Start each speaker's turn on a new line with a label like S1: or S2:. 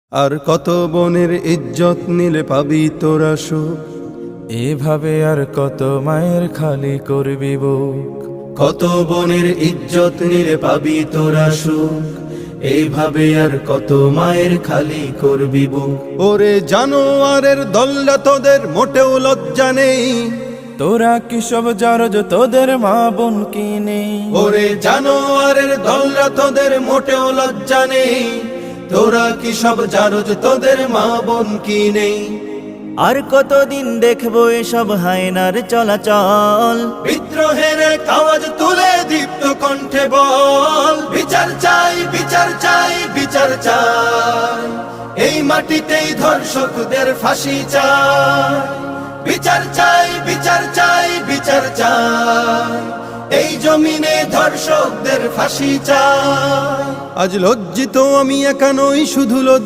S1: আর কত বোনের ইজ্জত নিলে পাবি তোরা সুখ,
S2: এভাবে আর কত মায়ের খালি করবি বুক।
S1: কত বোনের ইজ্জত নিলে পাবি তোরা সুখ, এইভাবে আর কত মায়ের খালি করবি বুক। ওরে জানোয়ারের দল্লা তোদের মোটেও লজ্জা নেই,
S2: তোরা কি সব জারজ তোদের মা বোন কি নেই?
S1: ওরে জানোয়ারের দল্লা তোদের মোটেও লজ্জা নেই, তোরা কি সব জারজ তোদের মা বোন কি নেই?
S3: আর কতদিন দেখবো এসব হায়নার চলাচল,
S1: বিদ্রোহের আওয়াজ তুলে দীপ্ত কণ্ঠে বল, বিচার চাই বিচার চাই বিচার চাই, এই মাটিতেই ধর্ষকদের ফাঁসি চাই। বিচার চাই বিচার চাই বিচার চাই, এই জমিনে ধর্ষকদের ফাঁসি চাই। আজ লজ্জিত আমি একা নই, শুধু